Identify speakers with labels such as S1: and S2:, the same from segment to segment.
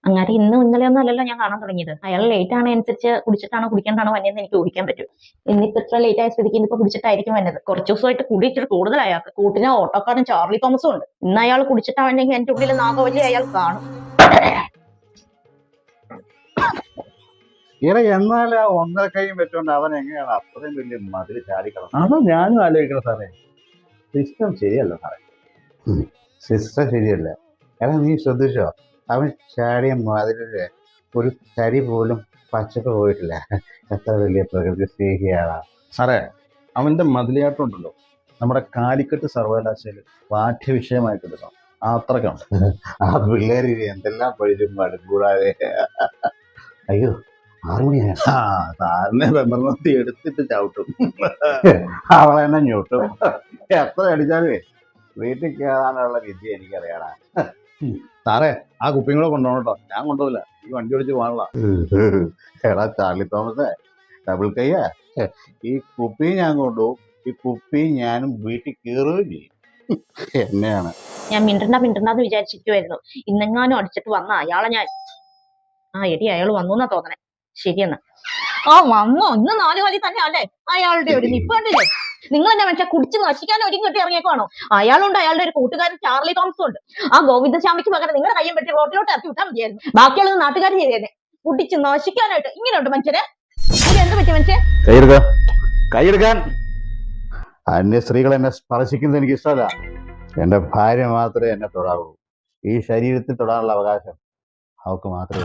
S1: അങ്ങനെ ഇന്നും ഇന്നലെ ഒന്നും അല്ലല്ലോ ഞാൻ കാണാൻ തുടങ്ങിയത്. അയാൾ ലേറ്റ് ആണ് അനുസരിച്ച് കുടിച്ചിട്ടാണോ കുടിക്കാണ്ടാണോ വന്നതെന്ന് എനിക്ക് ഊഹിക്കാൻ പറ്റും. ഇന്നിപ്പോ ഇത്ര ലേറ്റ് ആയ സ്ഥിതിക്ക് ഇന്നിപ്പോ കുടിച്ചിട്ടായിരിക്കും വന്നത്. കുറച്ചു ദിവസമായിട്ട് കുടി ഇച്ചിരി കൂടുതൽ അയാൾക്ക്. കൂട്ടിന് ഓട്ടോക്കാരൻ ചാർലി തോമസും ഉണ്ട്. ഇന്ന് അയാൾ കുടിച്ചിട്ടാണെങ്കിൽ എന്റെ ഉള്ളിൽ നാഗവല്ലി അയാൾ കാണും.
S2: എന്നാൽ ആ ഒന്നര കൈയും വെച്ചോണ്ട് അവൻ എങ്ങനെയാണ് അത്രയും വലിയ മതിൽ ചാടിക്കണം?
S3: അതോ ഞാനും ആലോചിക്കണം സാറേ. സിസ്റ്റം ശരിയല്ല സാറേ.
S2: സിസ്റ്റം ശരിയല്ല. കാരണം നീ ശ്രദ്ധിച്ചോ, അവൻ ചാടിയ മതിലില് ഒരു തരി പോലും പച്ചപ്പ് പോയിട്ടില്ല. എത്ര വലിയ പ്രകൃതി സ്നേഹിയാണ്
S3: സാറേ. അവന്റെ മതിലിയാട്ടം ഉണ്ടല്ലോ, നമ്മുടെ കാലിക്കറ്റ് സർവകലാശാലയിൽ പാഠ്യവിഷയമായിട്ട് എടുക്കണം. അത്രയ്ക്കാണ്.
S2: ആ പിള്ളേർ എന്തെല്ലാം പഠിച്ചും മടുക്കൂടാതെ. അയ്യോ, 6 മണിയായ
S3: സാറിനെ വെമ്പർത്തി എടുത്തിട്ട് ചവിട്ടും.
S2: അവളെന്നെ ഞൊട്ടും. എത്ര അടിച്ചാലേ വീട്ടിൽ കയറാനുള്ള വിദ്യ എനിക്കറിയാടാ.
S3: സാറേ, ആ കുപ്പിയും കൂടെ കൊണ്ടുപോകണം കേട്ടോ. ഞാൻ കൊണ്ടുപോകില്ല, ഈ വണ്ടി ഓടിച്ച് പോകാനുള്ള.
S2: എടാ ചാർലി തോമസേ, ഡബിൾ കയ്യാ, ഈ കുപ്പി ഞാൻ കൊണ്ടുപോകും. ഈ കുപ്പി ഞാനും വീട്ടിൽ കയറുകയും ചെയ്യും. എന്നെയാണ്
S1: ഞാൻ മിണ്ടണ്ടെന്ന് വിചാരിച്ചിരിക്കുമായിരുന്നു. ഇന്നെങ്ങാനും അടിച്ചിട്ട് വന്ന അയാളെ ഞാൻ എടി അയാൾ വന്നു എന്നാ തോന്നണേ. ശരിയെന്നാ. വന്നോ? ഇന്ന് 4 കാലി തന്നെ അല്ലേ അയാളുടെ ഒരു നിപ്പണ്ടില്ലേ? നിങ്ങൾ എന്നെ മനുഷ്യ കുടിച്ച് നശിക്കാൻ ഒരുങ്ങി ഇറങ്ങിയേക്കുവാണോ? അയാളുണ്ട്, അയാളുടെ ഒരു കൂട്ടുകാരൻ ചാർലി തോമസും ഉണ്ട്. ആ ഗോവിന്ദസ്വാമിക്ക് പകരം നിങ്ങളുടെ കയ്യും പറ്റി റോട്ടിലോട്ട് ഇറക്കി വിട്ടാൽ മതിയായിരുന്നു. ബാക്കിയുള്ളത് നാട്ടുകാർ ചെയ്തേനെ. കുടിച്ച് നശിക്കാനായിട്ട് ഇങ്ങനെയുണ്ട് മനുഷ്യരെ. എന്ത് പറ്റി മനുഷ്യൻ?
S2: കൈയെടുക്കാൻ. അന്യ സ്ത്രീകൾ എന്നെ സ്പർശിക്കുന്നത് എനിക്ക് ഇഷ്ടമല്ല. എന്റെ ഭാര്യ മാത്രമേ എന്നെ തൊടാവൂ. ഈ ശരീരത്തിൽ തൊടാനുള്ള അവകാശം അവൾക്ക് മാത്രമേ.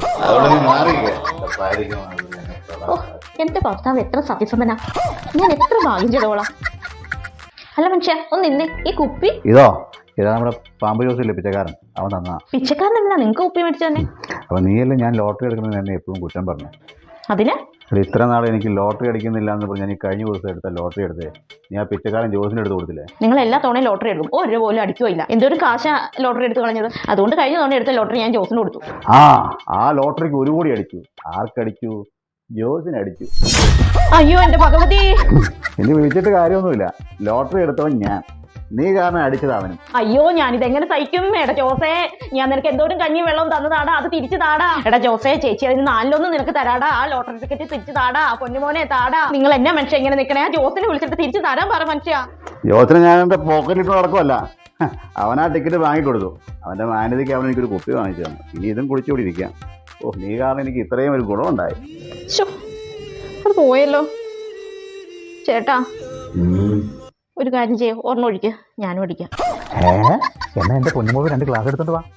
S1: എന്റെ ഭർത്താവ് എത്ര സത്യസന്ധനാ. ഞാൻ എത്ര ഭാഗ്യം ചെയ്തോളാം. അല്ല മനുഷ്യ, ഒന്ന് നിന്നെ. ഈ കുപ്പി
S2: ഇതാ നമ്മുടെ പാമ്പ് ജോസില്ലേ പിച്ചക്കാരൻ, അവൻ തന്നാ.
S1: പിച്ചക്കാരൻ എന്തിനാ നിങ്ങൾക്ക് കുപ്പി മേടിച്ചു തന്നെ?
S2: അപ്പൊ നീയല്ലേ ഞാൻ ലോട്ടറി എടുക്കുന്നത് എന്നെ എപ്പോഴും കുറ്റം പറഞ്ഞു.
S1: അതിന്
S2: ഇത്ര നാൾ എനിക്ക് ലോട്ടറി അടിക്കുന്നില്ല എന്ന് പറഞ്ഞ് ഞാൻ ഈ കഴിഞ്ഞ ദിവസം എടുത്ത ലോട്ടറി എടുത്തേ നീ ആ പിച്ചക്കാരൻ ജോസിന് എടുത്ത് കൊടുത്തില്ലേ?
S1: നിങ്ങൾ എല്ലാ തവണയും ലോട്ടറി എടുക്കും, ഒരു പോലും അടിക്കുകയില്ല. എന്തൊരു കാശ ലോട്ടറി എടുത്ത് കളഞ്ഞത്. അതുകൊണ്ട് കഴിഞ്ഞ തവണ എടുത്ത ലോട്ടറി ഞാൻ ജോസിന് കൊടുത്തു.
S2: ആ ലോട്ടറിക്ക് 1 കോടി അടിച്ചു. ആർക്കടിച്ചു? ജോസിന് അടിച്ചു.
S1: അയ്യോ എന്റെ ഭഗവതി.
S2: ഇനി വിളിച്ചിട്ട് കാര്യമൊന്നുമില്ല. ലോട്ടറി എടുത്തവൻ ഞാൻ, നീ കാരണം അടിച്ചത് അവനും.
S1: അയ്യോ ഞാനിതെങ്ങനെ സഹിക്കും? എടാ ജോസേ, ഞാൻ നിനക്ക് എന്തോരം കഞ്ഞി വെള്ളവും തന്നതാടാ, അത് തിരിച്ചു താടാ. എടാ ജോസേ, ചേച്ചി അതിന് 4 നിനക്ക് തരാടാ. ആ ലോട്ടറി ടിക്കറ്റ് തിരിച്ചു താടാ. പൊന്നുമോനെ താടാ. നിങ്ങൾ എന്നെ മനുഷ്യ ഇങ്ങനെ നിൽക്കണേ? ആ ജോസിനെ വിളിച്ചിട്ട് തിരിച്ചു തരാൻ പറ മനുഷ്യ.
S2: ജോസിനെ ഞാൻ എന്റെ പോക്കറ്റിട്ട് നടക്കുമല്ല. അവൻ ആ ടിക്കറ്റ് വാങ്ങിക്കൊടുത്തു. അവന്റെ മാന്യതയ്ക്ക് അവൻ എനിക്കൊരു കുപ്പി വാങ്ങിച്ചു തന്നു. ഇനി ഇതും കുടിച്ചുകൂടി ഇരിക്കാം. നീ കാരണം എനിക്ക് ഇത്രയും ഒരു ഗുണമുണ്ടായി.
S1: അത് പോയല്ലോ ചേട്ടാ. ഒരു കാര്യം ചെയ്യോ, ഒരെണ്ണം ഒഴിക്ക്, ഞാനും അടിക്കാം.
S2: എന്നാ എന്റെ പൊന്നുമോൾ 2 ഗ്ലാസ് എടുത്തോണ്ട് വാ.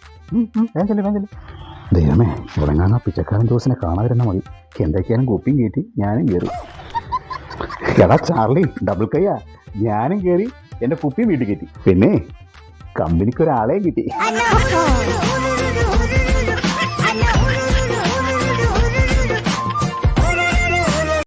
S2: ദൈവമേ, ഉറങ്ങാൻ പിച്ചക്കാരൻ ജോസിനെ കാണാതിരുന്നാൽ മതി. എന്തൊക്കെയാലും കുപ്പിയും കയറ്റി ഞാനും കയറി. എടാ ചാർലി, ഡബിൾ കയ്യാ, ഞാനും കയറി എന്റെ കുപ്പിയും വീട്ടിൽ കയറ്റി. പിന്നെ കമ്പനിക്ക് ഒരാളെയും കിട്ടി.